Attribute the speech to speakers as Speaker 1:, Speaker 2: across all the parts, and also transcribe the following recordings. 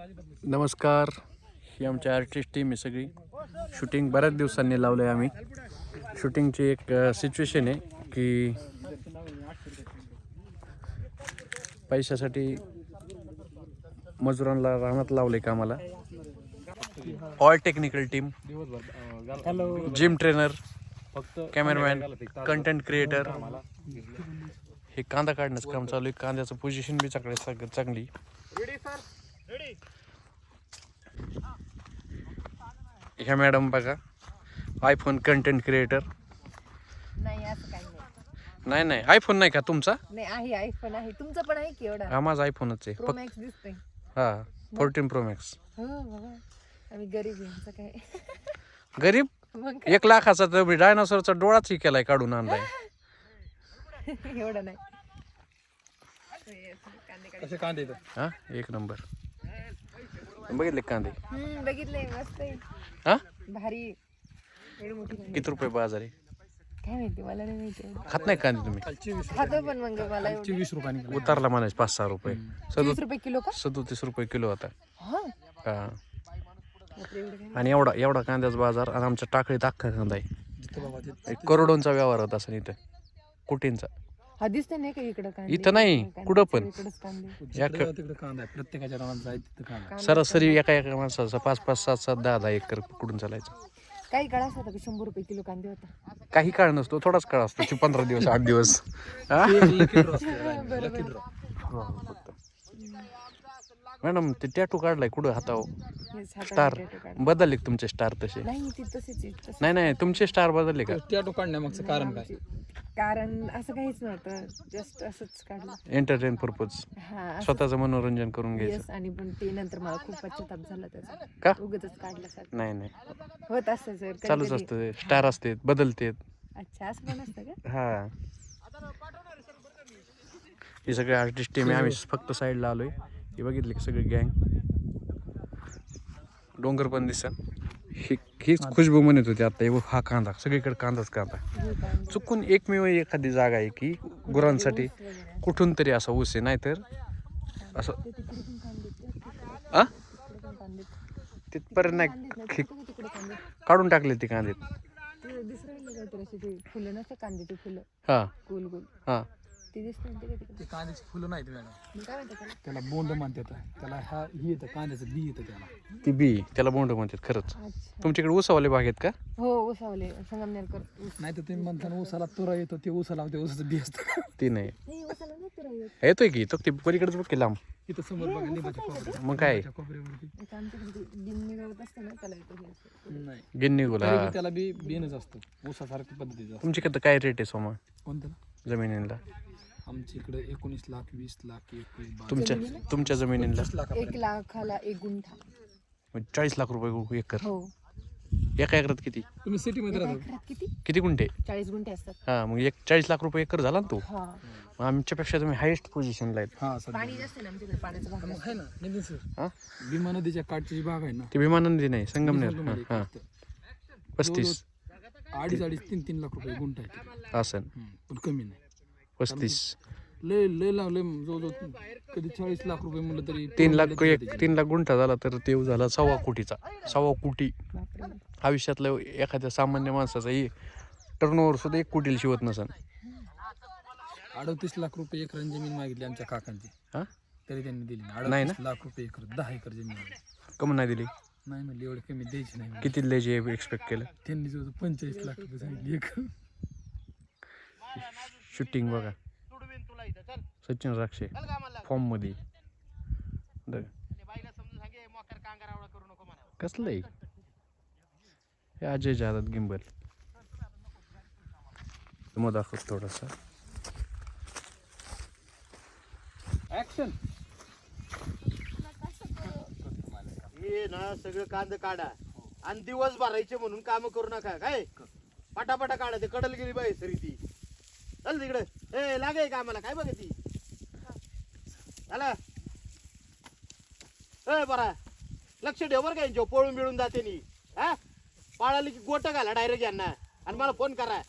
Speaker 1: नमस्कार. ही आमची artist team आहे सगळी. शूटिंग बऱ्याच दिवसांनी लावलं आहे आम्ही. शूटिंगची एक सिच्युएशन आहे की पैशासाठी मजुरांना रानात लावले कामाला. All technical team, gym trainer, cameraman, content creator. हे कांदा काढण्याचं काम चालू आहे. कांद्याचं पोझिशन बी चांगली. ह्या मॅडम बघा, आयफोन कंटेंट क्रिएटर.
Speaker 2: नाही असं काही
Speaker 1: नाही
Speaker 2: नाही.
Speaker 1: नाही, आयफोन नाही का तुमचा?
Speaker 2: नाही आहे, आयफोन आहे. तुमचं पण आहे की एवढा?
Speaker 1: हा, माझा आयफोनच आहे.
Speaker 2: प्रो मॅक्स दिसतोय.
Speaker 1: हा, 14 प्रो मॅक्स.
Speaker 2: हो बाबा, आम्ही गरीब आहे. आमचं काय
Speaker 1: गरीब?
Speaker 2: मग
Speaker 1: 1 लाखाचा तर डायनासोरचा डोळाच ही केलाय, काढून आणलाय.
Speaker 2: एवढं नाही.
Speaker 3: कसे कांदे
Speaker 1: हा, 1 नंबर. बघितले कांदे?
Speaker 2: बघितलंय, मस्त आहे.
Speaker 1: हा,
Speaker 2: भारी. एवढी मोठी कांदे.
Speaker 1: किती रुपये बाजार आहे?
Speaker 2: काय माहिती, मला नाही माहिती एवढं.
Speaker 1: खात नाही कांदे तुम्ही?
Speaker 2: खातो पण मग मला एवढं.
Speaker 3: 20 रुपयाने
Speaker 1: उतारला म्हणायचे 5-6 रुपये.
Speaker 2: 30 रुपये किलो का?
Speaker 1: 37 रुपये किलो होता.
Speaker 2: हा
Speaker 1: हा,
Speaker 2: बापरे, एवढं काय?
Speaker 1: आणि एवढा कांद्याचा बाजार. आणि आमच्या टाकळीत अख्खा कांदा आहे.
Speaker 3: जिथं बाबा ते
Speaker 1: 1 करोडोंचा व्यवहार होता असं इथं, कोटींचा.
Speaker 2: हा दिसतंय नाही का इकडं कांदे?
Speaker 1: इथं नाही, कुठं पण.
Speaker 2: इकडंच कांदे.
Speaker 3: जिकडं तिकडे कांदा आहे. प्रत्येकाच्या रानात जाय तिथं कांदा.
Speaker 1: सरासरी एका माणसाचा 5-5, 7-7, 10-10 एकर कुठून चालायचं.
Speaker 2: काही काळ असं होता की 100 रुपये किलो कांदे होता.
Speaker 1: काही काळ नसतो, थोडाच काळ असतो. 15 दिवस, 8 दिवस. हा?
Speaker 3: ते एक lucky draw असतो, right? Lucky draw.
Speaker 1: मॅडम, ते टॅटू काढलाय कुठं हातावर?
Speaker 2: हेच हाताने
Speaker 1: स्टार
Speaker 2: tattoo काढले.
Speaker 1: बदलले का तुमचे स्टार तसे?
Speaker 2: नाही ती तशीच आहे, तशीच.
Speaker 1: नाही, तुमचे स्टार बदलले का?
Speaker 3: टॅटू काढण्यामागचं कारण काय?
Speaker 2: कारण असं काहीच नव्हतं, जस्ट असंच काढलं.
Speaker 1: एंटरटेन पर्पज,
Speaker 2: हा
Speaker 1: स्वतःचं मनोरंजन करून घ्यायचं.
Speaker 2: येस. आणि पण ते नंतर मला खूप पश्चाताप झाला त्याचा.
Speaker 1: का?
Speaker 2: उगाचच काढलं सर.
Speaker 1: नाही,
Speaker 2: होत असतं सर,
Speaker 1: चालूच असतं. स्टार असते, बदलते.
Speaker 2: अच्छा, असं पण असतं का?
Speaker 1: हा, हे सगळे आर्टिस्ट टीम आहे. आम्ही फक्त साईडला आलोय. हे बघितले की सगळे गँग. डोंगर पण दिसत. हीच खुशबू म्हणत होती आता. हा कांदा, सगळीकडे कांदाच कांदा.
Speaker 2: हे कांदे.
Speaker 1: चुकून एकमेव एखादी जागा आहे की गुरांसाठी
Speaker 2: ऊस वगैरे.
Speaker 1: कुठून तरी असा ऊस आहे, नाहीतर असं
Speaker 2: ते तिकडे पण कांदे आहेत.
Speaker 1: आ
Speaker 2: तिकडे पण कांदे आहेत.
Speaker 1: तिथपर्यंत नाही.
Speaker 2: तिकडे तिकडे कांदे आहेत.
Speaker 1: काढून टाकले ते कांदे.
Speaker 2: ते दिसरायला काहीतरी असे ते फुलं नसते कांद्याची फुलं,
Speaker 1: हा
Speaker 2: गोल गोल.
Speaker 1: हा,
Speaker 2: ते दिसतात ते तिकडे.
Speaker 3: ते कांद्याची फुलं नाहीत मॅडम,
Speaker 2: मी काय म्हणते त्याला?
Speaker 3: त्याला बोंड म्हणतात. त्याला हा ही येतं, कांद्याचं बी येतं त्याला.
Speaker 1: ती बी, त्याला बोंड म्हणतात खरंच.
Speaker 2: अच्छा.
Speaker 1: तुमच्याकडे ऊसावाले बाग आहेत का?
Speaker 2: हो, उसावले संगमनेरकर ऊस.
Speaker 3: नाही तर तुम्ही म्हणताना ऊसाला तुरा येतो, ते ऊसाला ते ऊसाचं बी असतं.
Speaker 1: ती नाही.
Speaker 2: नाही, उसाला नाही तुरा येत.
Speaker 1: येतोय की तो, ती पलीकडेच बघ की लांब.
Speaker 3: इथं समोर बघा लिंबाच्या कोपऱ्यात.
Speaker 1: मग काय?
Speaker 3: लिंबाच्या कोपऱ्यावरती
Speaker 2: एक आमच्याकडे गिन्नी गवत असतं ना, त्याला येतो हे असं.
Speaker 3: नाही,
Speaker 1: गिन्नी गुला.
Speaker 3: तरी बी त्याला बी बिनच असतं, ऊसासारख्या पद्धतीचं असतं.
Speaker 1: तुमच्याकडे काय रेट आहे सोमा
Speaker 3: कोणतं?
Speaker 1: जमिनीला?
Speaker 3: आमच्या इकडे 19 लाख, 20 लाख, 21, 22,
Speaker 1: तुमच्या जमिनीला
Speaker 3: 25 लाखापर्यंत.
Speaker 2: 1 लाखाला 1 गुंठा.
Speaker 1: 40 लाख रुपये एकर.
Speaker 2: हो.
Speaker 1: एका एकरात किती
Speaker 3: तुम्ही सिटीमध्ये
Speaker 2: एका
Speaker 3: राहता?
Speaker 2: एकरात किती?
Speaker 1: किती गुंठे?
Speaker 2: 40 गुंठे असतात.
Speaker 1: हा, मग 40 लाख रुपये एकर झाला ना तो.
Speaker 2: हा.
Speaker 1: मग आमच्यापेक्षा तुम्ही हायेस्ट पोझिशनला आहेत.
Speaker 3: हा सध्या.
Speaker 2: पाणी जास्त आहे ना आमच्याकडे, पाण्याचा भाग
Speaker 3: मग
Speaker 2: जास्त.
Speaker 3: आहे ना नितीन सर,
Speaker 1: हा,
Speaker 3: भीमा नदीच्या काठची जी बाग आहे ना,
Speaker 1: ती भीमा नदी नाही, संगमनेर.
Speaker 3: ती
Speaker 1: हा हा,
Speaker 3: फक्त
Speaker 1: 35
Speaker 3: 2.5 3 लाख रुपये गुंठा आहे.
Speaker 1: असन.
Speaker 3: पण कमी नाही.
Speaker 1: 35.
Speaker 3: लय लय लावले जवळजवळ कधी 40 लाख रुपये म्हणलं तरी
Speaker 1: 3 लाख गुंठा झाला तर ते झाला 1.25 कोटीचा. 1.25 कोटी.
Speaker 2: बापरे.
Speaker 1: आयुष्यातलं एखाद्या सामान्य माणसाचा टर्नओव्हर सुद्धा 1 कोटीला शिवत नसन.
Speaker 3: 38 लाख रुपये एकर जमीन मागितली आमच्या काकांची,
Speaker 1: हा,
Speaker 3: तरी त्यांनी दिली नाही.
Speaker 1: नाही
Speaker 3: 38 लाख रुपये एकर, 10 एकर जमीन आहे.
Speaker 1: कमून नाही दिली?
Speaker 3: नाही म्हणले एवढे कमी द्यायची नाही.
Speaker 1: किती द्यायची एक्सपेक्ट केलं?
Speaker 3: त्यांनी जवळ 45 लाख रुपये सांगितली एकर.
Speaker 1: शूटिंग बघा, सचिन राक्षे फॉर्म मध्ये. कसलं आहे हे? अजय जादव गिंबल. मग दाखवत थोडासा.
Speaker 3: ऍक्शन.
Speaker 4: हे ना सगळं कांद काढा आणि दिवस भरायचे म्हणून काम करू नका. काय पटापटा काढा, ते कडल गेली बाई सरी ती. चल तिकडे, ए लागे कामाला. काय बघ ती झाला. ए बरा लक्ष ठेव बरं, काय पळून बिळून जाते नी. हा, पाळाली की गोट घाला डायरेक्ट यांना आणि मला फोन करा.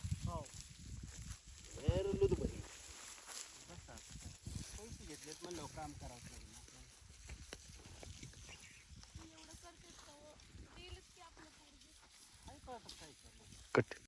Speaker 1: कट